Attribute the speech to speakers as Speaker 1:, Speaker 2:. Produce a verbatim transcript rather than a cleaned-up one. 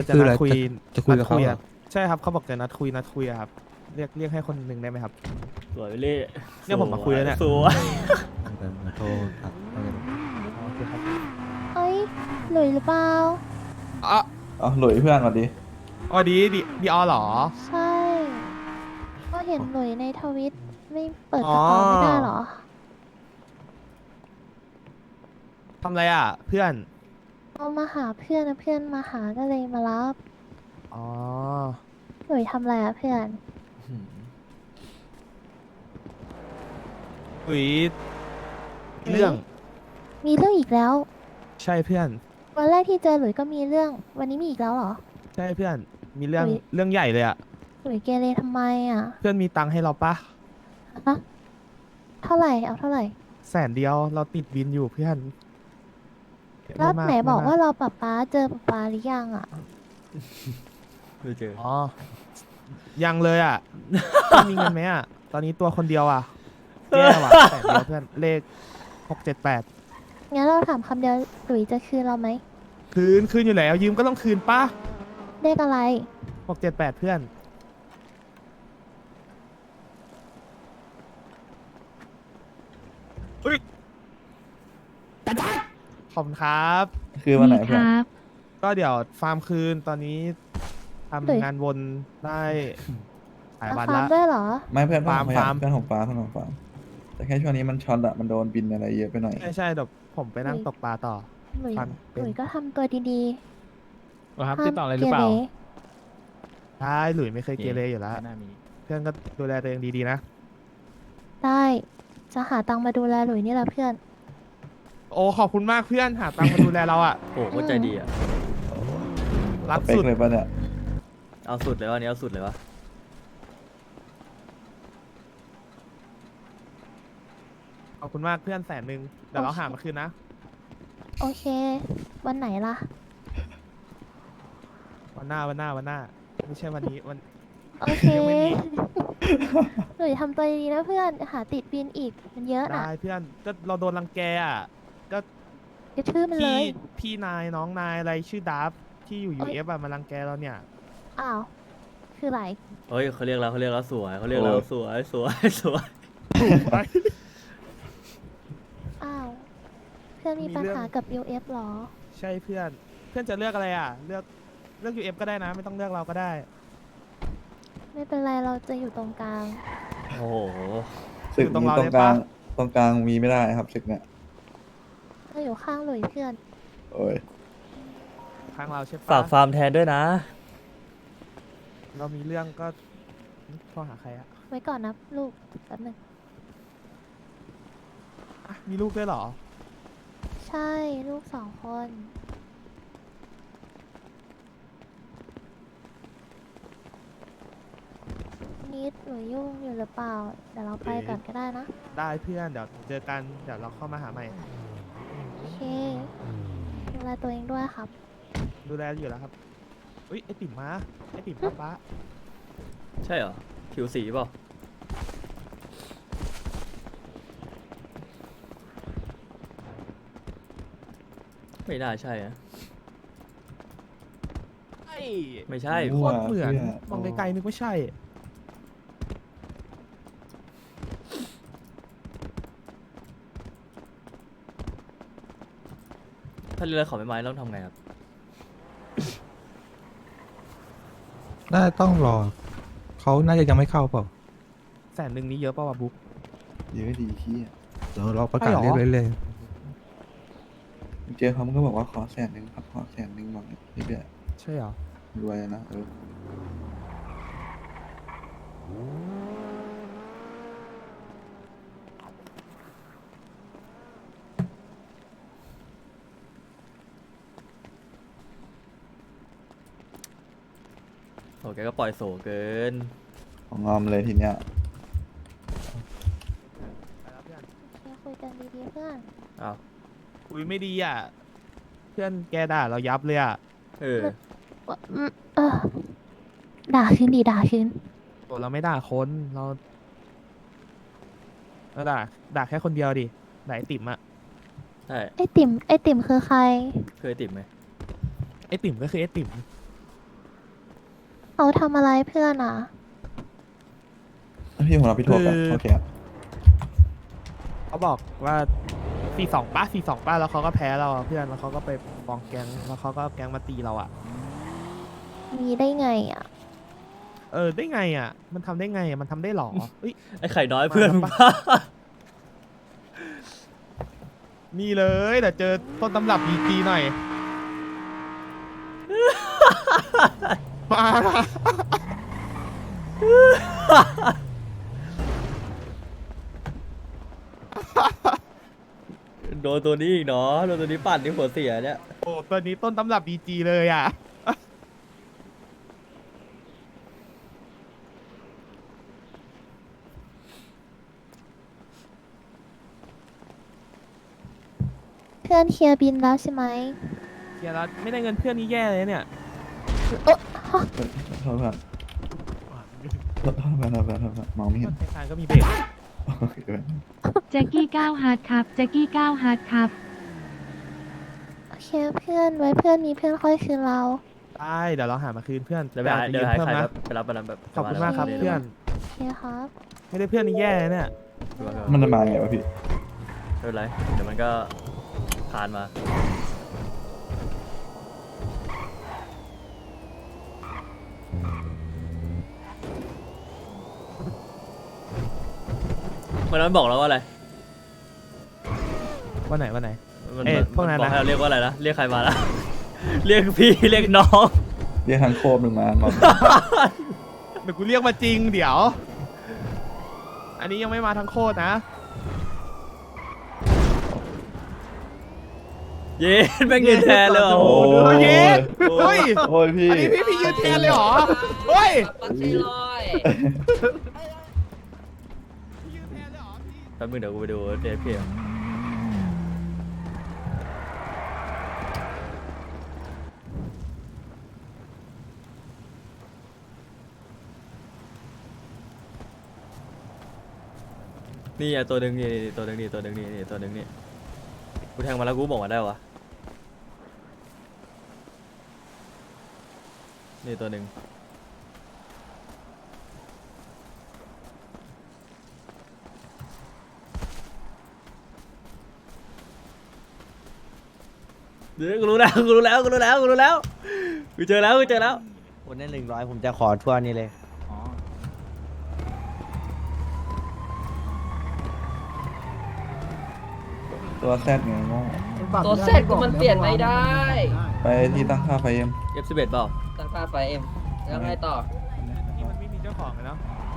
Speaker 1: จะ
Speaker 2: คือ
Speaker 1: นั
Speaker 2: อะไร
Speaker 1: ดคุย
Speaker 2: จะจะคุยกับ
Speaker 1: นัด
Speaker 2: เขาเหรอ
Speaker 1: อะใช่ครับเขาบอกจะนัดคุยนัดคุยอะครับเรียกเรียกให้คนหนึ่งได้ไหมครับ
Speaker 3: สวยไปเล่
Speaker 1: เนี่ยผมมาคุยแล้วเนี่ย
Speaker 3: สวย
Speaker 2: เดี๋ยวมาโทรทักให้กัน
Speaker 1: อ๋อโอเคครับ
Speaker 4: เอ้ยหลุยหรือเปล่า
Speaker 1: อ๋อ
Speaker 5: อ๋อหลุยเพื่อนสวัสดี
Speaker 1: อ๋อดีดีดีออเหรอ
Speaker 4: ใช่ ก็เห็นหลุยในทวิตไม่เปิด
Speaker 1: อ๋
Speaker 4: ก
Speaker 1: อ
Speaker 4: ระเป๋าไม่ได้เหรอ
Speaker 1: ทำอะไรอ่ะ เพื่อน
Speaker 4: เอามาหาเพื่อนนะเพื่อนมาหาก็เลยมารับ
Speaker 1: อ๋อ
Speaker 4: หลุยทำอะไรอะเพื่อน
Speaker 1: อุ๋ยเรื่อง
Speaker 4: มีเรื่องอีกแล้ว
Speaker 1: ใช่เพื่อน
Speaker 4: วันแรกที่เจอหลุยก็มีเรื่อง วันนี้มีอีกแล้วเหรอ
Speaker 1: ใช่เพื่อน มีเรื่อง
Speaker 4: อุ๊ย
Speaker 1: เรื่องใหญ่เลยอ่ะ
Speaker 4: หลุยเกเรทำไมอะ
Speaker 1: เพื่อนมีตังค์ให้เราปะ
Speaker 4: ฮะเท่าไหร่เอาเท่าไหร่
Speaker 1: แสนเดียวเราติดวินอยู่เพื่อน
Speaker 4: แล้ว
Speaker 1: ม่ม
Speaker 4: ไหนบอก
Speaker 1: ม่ม
Speaker 4: ว่าเราป๊าป๊าเจอป๊าป๊าหรือยังอะ
Speaker 3: ไม่เจอ
Speaker 1: อ๋อ ยังเลยอ่ะ ไม่มีเงินไหมอ่ะ ตอนนี้ตัวคนเดียวอ่ะแย่ว่ะแสนเดียวเพื่อน เลขหกเจ็ดแปด
Speaker 4: งั้นเราถามคำเดียวหลุยจะคืนเราไหม
Speaker 1: คืน คืนอยู่แล้วยืมก็ต้องคืนปะ
Speaker 4: เลขอะไร
Speaker 1: หกเจ็ดแปดเพื่อนอุ้ยขอบคุณครับ
Speaker 5: คือวันไหนเพื่อน
Speaker 1: ก็เดี๋ยวฟาร์มคืนตอนนี้ทำงานวนได้หลาย
Speaker 4: เอา
Speaker 1: วัน
Speaker 4: ฟาร์
Speaker 1: ละ
Speaker 4: มด้วยเหรอ
Speaker 5: ไม่เพื่อน
Speaker 1: ฟาร์ม
Speaker 5: ผมพยย
Speaker 1: ฟาร์ม
Speaker 5: เพื่อนของฟ้าเพื่อนของฟ้าแต่แค่ช่วงนี้มันช็อตอะมันโดนบินอะไรเยอะไปหน่อย
Speaker 1: ใช่ใช่เดี๋ยวผมไปนั่งตกปลาต่อ
Speaker 4: หลุย
Speaker 1: ฟาร์มเป็น
Speaker 4: หลุยก็ทำตัวดี
Speaker 6: ครับ
Speaker 4: ๆ
Speaker 6: ติดต่ออะไรหรือเปล่า
Speaker 4: ก
Speaker 1: ใช่หลุยไม่เคยเกเรอยู่แล้ว
Speaker 6: ไม่น่ามี
Speaker 1: เพื่อนก็ดูแลตัวเองดีๆนะ
Speaker 4: ได้ จะหาตังค์มาดูแลหลุยนี่แหละเพื่อน
Speaker 1: โอ้ขอบคุณมากเพื่อนหาตังค์มาดูแลเราอ่ะ
Speaker 3: โอ้โหใจดีอ่ะ
Speaker 1: รัก
Speaker 5: เป๊ก
Speaker 1: สุด
Speaker 5: เลยปะเนี่ย
Speaker 3: เอาสุดเลยวะอันนี้เอาสุดเลยวะ
Speaker 1: ขอบคุณมากเพื่อนแสนหนึ่งเดี๋ยวเราหามาคืนนะ
Speaker 4: โอเค วันไหนล่ะ
Speaker 1: วันหน้าวันหน้าวันหน้า ไม่ใช่วันนี้วัน
Speaker 4: โอเค
Speaker 1: ยังไม่มี
Speaker 4: หลุยทำตัวดีๆนะเพื่อน หาติดบินอีก มันเยอะนะ
Speaker 1: ได้เพื่อนก็เราโดนรังแกอ่ะ ก็
Speaker 4: กระทืบมันเล
Speaker 1: พี่
Speaker 4: ย
Speaker 1: พี่นายน้องนายอะไรชื่อดับที่อยู่
Speaker 4: เอ้
Speaker 1: ยู
Speaker 4: ย
Speaker 1: เอฟอะมารังแกเราเนี่ย
Speaker 4: อ้าว คืออะไร
Speaker 3: เฮ้ยเขาเรียกเราเขาเรียกเราสวยเขาเรียกเราสวยสวยสวย
Speaker 4: อ้าว เพื่อนมี
Speaker 1: มี
Speaker 4: ปัญ
Speaker 1: เรื่อง
Speaker 4: หากับ ยู เอฟ หรอ
Speaker 1: ใช่เพื่อน เพื่อนจะเลือกอะไรอ่ะ เลือกเลือกยูเอฟก็ได้นะ ไม่ต้องเลือกเราก็ได้
Speaker 4: ไม่เป็นไรเราจะอยู่ตรงกลาง
Speaker 3: โอ้โห
Speaker 5: ศึก
Speaker 1: อยู่ตรง
Speaker 5: นี้
Speaker 1: เรา
Speaker 5: ตร
Speaker 1: ได้
Speaker 5: งกลาง
Speaker 1: ปะ
Speaker 5: ตรงกลางมีไม่ได้ครับศึกเนี่ย
Speaker 4: เราอยู่ข้างหลุยเพื่อน
Speaker 5: โอ้ย
Speaker 1: ทางเราใช่ปะ
Speaker 3: ฝากฟาร์มแทนด้วยนะ
Speaker 1: เรามีเรื่องก็โทรหาใครอะ
Speaker 4: ไว้ก่อนนะลูกแป๊บหนึง
Speaker 1: อ่ะมีลูกด้วยเหรอ
Speaker 4: ใช่ ลูกสองคน นิดหนูยุ่งอยู่หรือเปล่า เดี๋ยวเราไปก่อนก็ได้นะ
Speaker 1: ได้เพื่อนเดี๋ยวเจอกันเดี๋ยวเราเข้ามาหาใหม่
Speaker 4: โอเค ดูแลตัวเองด้วยครับ
Speaker 1: ดูแลอยู่แล้วครับอุ้ยไอติ่มมาไอติ่มป้าป้า
Speaker 3: ใช่เหรอผิวสีเปล่าไม่น่าใช่อะ
Speaker 1: ไอ้
Speaker 3: ไม่ใช่
Speaker 1: โคตรเหมือน
Speaker 5: เนี่ย
Speaker 1: มองไกลๆนึกว่าใช่
Speaker 3: ถ้าเรือขอไม้ไม้ต้องทำไงครับ
Speaker 2: น่าจะต้องรอ เขาน่าจะยังไม่เข้าเปล่า
Speaker 1: แสนหนึ่งนี้เยอะป่าวะบุ๊ก
Speaker 5: เยอะดีขี้ย
Speaker 2: เดี๋ยวเราประกาศ
Speaker 1: ใช่เหรอ
Speaker 2: เรียกเรื่อย
Speaker 5: เจอเขามันก็บอกว่าขอแสนหนึ่งครับขอแสนหนึ่งบอกนี่เดือด
Speaker 1: ใช่เหรอ
Speaker 5: รวยนะเออ
Speaker 3: โอแกก็ปล่อยโสเกิน
Speaker 5: ของงอมเลยทีเนี้ย
Speaker 1: ไปแล้วเพื่อน
Speaker 4: โอเค คุยกันดีๆเพื่อน
Speaker 3: อ้าว
Speaker 1: คุยไม่ดีอ่ะ เพื่อนแกด่าเรายับเลยอ่ะ
Speaker 3: เออ
Speaker 4: ว่าอืมเออ ด่าคืนดีด่าคืน
Speaker 1: ตัวเราไม่ด่าคนเราเราด่าด่าแค่คนเดียวดิด่าไอติ่มอะ
Speaker 3: ใช่
Speaker 4: ไอติ่ม ไอติ่มคือใคร
Speaker 3: เคยติดไหม
Speaker 1: ไอติ่มก็คือไอติ่ม
Speaker 4: เขาทำอะไรเพื่อนอ่ะ
Speaker 5: พี่ผมรับพี่ทั่วไป
Speaker 1: คือ
Speaker 5: โอเคครับ
Speaker 1: เขาบอกว่าสี่สองป้าสี่สองป้าแล้วเขาก็แพ้เราอะเพื่อนแล้วเขาก็ไปฟ้องแก๊งแล้วเขาก็เอาแก๊งมาตีเราอ่ะ
Speaker 4: มีได้ไงอ่ะ
Speaker 1: เออได้ไงอ่ะ มันทำได้ไงอ่ะมันทำได้หรอเอ้ย
Speaker 3: ไอ้ไข่น้อยเพื่อน
Speaker 1: มา
Speaker 3: มึง
Speaker 1: ปะ
Speaker 3: ปะ
Speaker 1: นี่เลยเดี๋ยวเจอต้นตำรับดีจีหน่อย มา
Speaker 3: โดนตัวนี้อีกเนาะโดนตัวนี้ปั่นที่หัวเสียเนี่ย
Speaker 1: โอ้ตัวนี้ต้นตำรับดีจีเลยอ่ะ
Speaker 4: เพื่อนเคลียร์บินแล้วใช่ไหม
Speaker 1: เดี๋ยวเราไม่ได้เงินเพื่อนนี่แย่เลยเนี่ย
Speaker 5: โทษเพื่อนโทษเพื่อนโทษเพื่อนโทษเพื่อนมองไม่เห็น
Speaker 1: ธนาคารก็มีเบรก
Speaker 5: โอเคเพื่อน
Speaker 6: แจ็กกี้ก้าวฮาร์ดครับแจ็กกี้ก้าวฮาร์ดครับ
Speaker 4: โอเคเพื่อนไว้เพื่อนมีเพื่อนค่อยคืนเรา
Speaker 1: ได้เดี๋ยวเราหามาคืนเพื่อน
Speaker 3: เดี๋ยวไปหา
Speaker 1: อาจจะ
Speaker 3: เดี๋ยว
Speaker 1: ยืม
Speaker 3: หา
Speaker 1: เพิ่ม
Speaker 3: ใคร
Speaker 1: นะ
Speaker 3: แบบไปรับไปรับแบบ
Speaker 1: ขอบคุณมากครับเพื่อน
Speaker 4: โอเคครับ
Speaker 1: ไม่ได้เพื่อนนี่แย่เลยเนี่ย
Speaker 5: มันจะมาไงวะพี่
Speaker 3: ไม่เป็นไรเดี๋ยวมันก็ผ่านมาวันนั้นบอกแล้วว่าอะไร
Speaker 1: วันไหนวันไหน
Speaker 3: มัน
Speaker 1: เอ๊ะ
Speaker 3: มัน
Speaker 1: พวกนั้น
Speaker 3: บอก
Speaker 1: นะ
Speaker 3: ให้เราเรียกว่าอะไรนะเรียกใครมาละ เรียกพี่เรียกน้อง
Speaker 5: เรียกทางโคมหนึ่งมามา
Speaker 1: เดี๋ยวกูเรียกมาจริงเดี๋ยว อันนี้ยังไม่มาทั้งโคตรนะ
Speaker 3: เย็นแม่งยืนแทนเลยว่ะโอ้โห
Speaker 1: โอ้ยเย็นเฮ้ย
Speaker 5: โอ้ยพี่
Speaker 1: อันนี้พี่พี่ยืนแทนเลยเหรอ เฮ้ย
Speaker 7: ปักซี่ลอย
Speaker 1: พี่ยืนแทนเลยเหรอพี่
Speaker 3: แป๊บนึงเดี๋ยวกูไปดูเดทพี่นี่อ่ะตัวหนึ่งนี่นี่ตัวหนึ่งนี่ตัวหนึ่งนี่นี่ตัวหนึ่งนี่กูแทงมาแล้วกูบอกมาได้วะนี่ตัวหนึ่งเดี๋ยวกูรู้แล้วกูรู้แล้วกูรู้แล้วกูรู้แล้วกูเจอแล้วกูเจอแล้ว
Speaker 8: คนได้หนึ่งร้อยผมจะขอทั่วนี่เลย
Speaker 5: ตัวแซดไงโง่
Speaker 7: ตัวเซตก็มันเปลี่ยนไม่ได้
Speaker 5: ไปที่ตั้งค่าไฟเอ็ม
Speaker 3: เอฟสิบเอ็ดเปล่า
Speaker 7: ตั้งค่าไฟเอ็มแล้วไงต่อ
Speaker 1: นี่มันไม่มีเจ้าของเลยเนาะ